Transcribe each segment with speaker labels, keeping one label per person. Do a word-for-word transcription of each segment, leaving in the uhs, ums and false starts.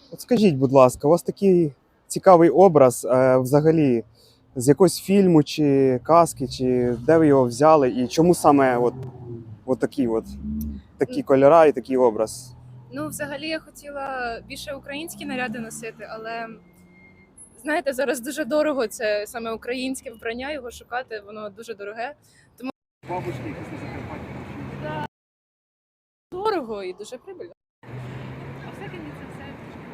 Speaker 1: От скажіть, будь ласка, у вас такий цікавий образ е, взагалі з якогось фільму чи казки, чи де ви його взяли, і чому саме от, от такі от такі кольори і такий образ?
Speaker 2: Ну, взагалі, я хотіла більше українські наряди носити, але знаєте, зараз дуже дорого це саме українське вбрання, його шукати, воно дуже дороге. Тому
Speaker 1: Бабушки якісь на Закарпатті.
Speaker 2: дорого і дуже прибильно.
Speaker 3: А все мені це все.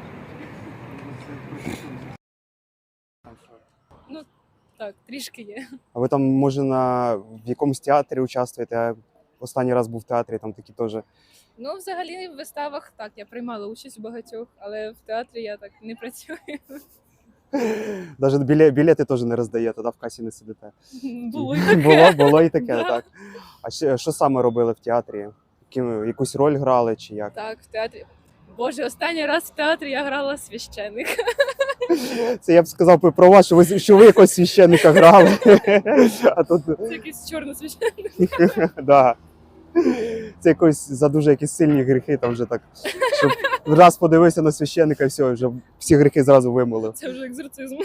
Speaker 2: Ну, так, трішки є.
Speaker 1: А ви там, може, на в якомусь театрі участвуєте? Я останній раз був в театрі, там такі теж.
Speaker 2: Ну, взагалі, в виставах так, я приймала участь у багатьох, але в театрі я так не працюю.
Speaker 1: Навіть біле, білети теж не роздаєте, да, в касі не сидите.
Speaker 2: Було і таке.
Speaker 1: Було, було і таке,
Speaker 2: Да.
Speaker 1: так. А ще, що саме робили в театрі? Яким- Якусь роль грали чи як?
Speaker 2: Так, в театрі. Боже, останній раз в театрі я грала священника.
Speaker 1: Це я б сказав би про вас, що ви, що ви якогось священника грали. А тут,
Speaker 2: Це якийсь чорний священник.
Speaker 1: да. Це якось за дуже якісь сильні гріхи, там вже так, щоб раз подивився на священника, і все, вже всі гріхи зразу вимолив.
Speaker 2: Це вже екзорцизм.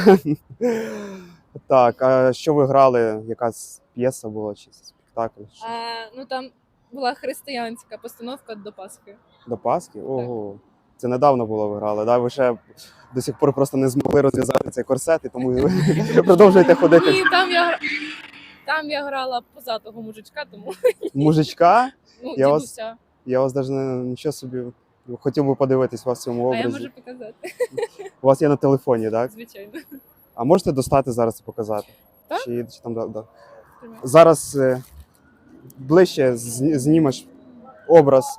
Speaker 1: Так, а що ви грали? Якась п'єса була чи спектакль? Що?
Speaker 2: А, ну там була християнська постановка до Пасхи.
Speaker 1: До Пасхи? Ого. Це недавно було ви грали, да? Ви ще до сих пор просто не змогли розв'язати цей корсет, і тому ви продовжуєте ходити.
Speaker 2: Ні, там я гра- там я грала позатого мужичка, тому
Speaker 1: Мужичка?
Speaker 2: ну,
Speaker 1: Я вас-
Speaker 2: дідуся.
Speaker 1: Я вас навіть не нічого собі хотів би подивитись вас в цьому
Speaker 2: А я
Speaker 1: образі.
Speaker 2: можу показати,
Speaker 1: У вас є на телефоні, так?
Speaker 2: звичайно.
Speaker 1: А можете достати зараз і показати?
Speaker 2: Так.
Speaker 1: Чи, чи там да, да. Зараз е, ближче з- знімеш образ.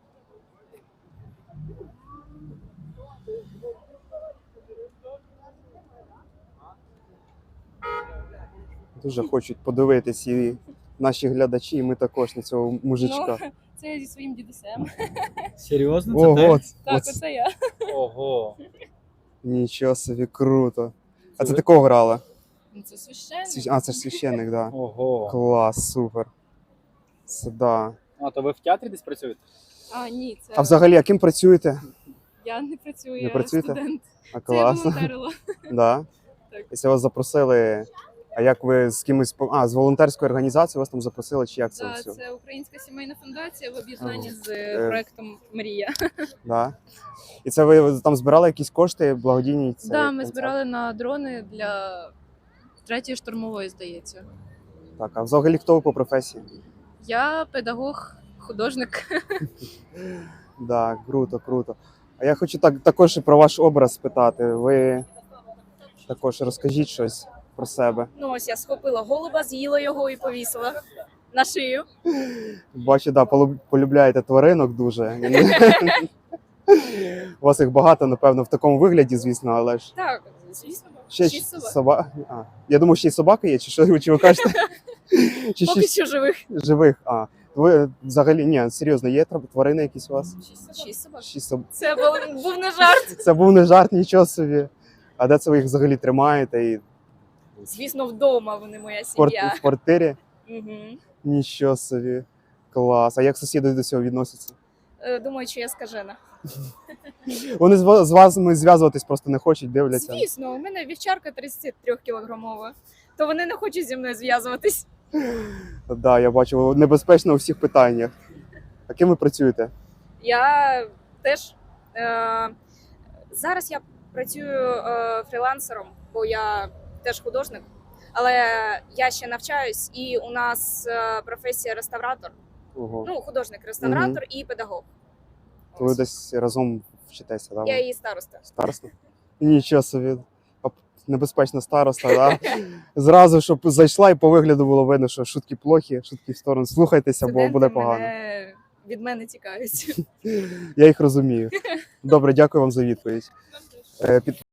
Speaker 1: Дуже хочуть подивитись і наші глядачі, і ми також на цього мужичка.
Speaker 2: Ну, це я зі своїм дідусем.
Speaker 4: Серйозно? Це
Speaker 1: Ого,
Speaker 4: ти?
Speaker 2: Так,
Speaker 1: оце-
Speaker 2: оце я.
Speaker 4: Ого.
Speaker 1: нічого собі, круто. А
Speaker 4: Це
Speaker 1: це
Speaker 4: ви?
Speaker 1: ти кого грала?
Speaker 2: Ну, це священник.
Speaker 1: Свящ- А, це ж священник, так. Да.
Speaker 4: Ого.
Speaker 1: Клас, супер. Це да.
Speaker 4: А то ви в театрі десь працюєте?
Speaker 2: А, ні, це
Speaker 1: А взагалі, а ким працюєте?
Speaker 2: я не працюю,
Speaker 1: Не
Speaker 2: я
Speaker 1: працюєте?
Speaker 2: студент.
Speaker 1: А
Speaker 2: Це я
Speaker 1: класно.
Speaker 2: волонтерила.
Speaker 1: Да.
Speaker 2: Так.
Speaker 1: Якщо вас запросили, а як ви з кимось по- а, з волонтерської організації вас там запросили, чи як це
Speaker 2: Да,
Speaker 1: все?
Speaker 2: це Українська сімейна фундація в об'єднанні
Speaker 1: Ага.
Speaker 2: з
Speaker 1: Е.
Speaker 2: проектом Мрія.
Speaker 1: Да. І це ви там збирали якісь кошти благодійні? Це
Speaker 2: Да, ми
Speaker 1: концерт?
Speaker 2: збирали на дрони для третьої штурмової, здається.
Speaker 1: Так, а взагалі хто ви по професії?
Speaker 2: Я педагог, художник.
Speaker 1: Да, круто, круто. А я хочу так також і про ваш образ спитати. Ви також розкажіть щось про себе.
Speaker 3: Ну ось я схопила голуба, з'їла його і повісила на шию.
Speaker 1: Бачу, да, полю- полюбляєте тваринок дуже. У вас їх багато, напевно, в такому вигляді, звісно, але ж
Speaker 3: Так, звісно.
Speaker 1: ще
Speaker 3: Шість собак.
Speaker 1: собак. А, я думаю, ще й собаки є, чи що чи ви кажете? Чи
Speaker 3: Поки
Speaker 1: шість
Speaker 3: що живих.
Speaker 1: живих? А, ви взагалі, ні, серйозно, є тр- тварини якісь у вас?
Speaker 3: Шість собак.
Speaker 1: Шість собак.
Speaker 3: Це був, був не жарт.
Speaker 1: Це був не жарт, нічого собі. А де це ви їх взагалі тримаєте? І
Speaker 3: Звісно, вдома вони моя
Speaker 1: в, квар-
Speaker 3: сім'я.
Speaker 1: в квартирі?
Speaker 3: Угу.
Speaker 1: Нічого собі. Клас. А як сусіди до цього відносяться?
Speaker 3: Думаю, що я скажена.
Speaker 1: Вони з ва- з вами зв'язуватись просто не хочуть, дивляться.
Speaker 3: Звісно, у мене вівчарка тридцять три кілограмова, то вони не хочуть зі мною зв'язуватись.
Speaker 1: Так, да, я бачу, небезпечно у всіх питаннях. А ким ви працюєте?
Speaker 3: Я теж е, зараз я працюю е, фрілансером, бо я теж художник, але я ще навчаюсь, і у нас е, професія реставратор.
Speaker 1: Ого.
Speaker 3: Ну, художник-реставратор і педагог.
Speaker 1: То ви
Speaker 3: Ось.
Speaker 1: десь разом вчитеся, да?
Speaker 3: Я її староста.
Speaker 1: Староста? Нічого собі. Оп, небезпечна староста, да? Зразу, щоб зайшла і по вигляду було видно, що шутки плохі, шутки в сторону. Слухайтеся, бо
Speaker 3: Студенти
Speaker 1: буде погано.
Speaker 3: мене, від мене тікають.
Speaker 1: Я їх розумію. Добре, дякую вам за відповідь. Е, під-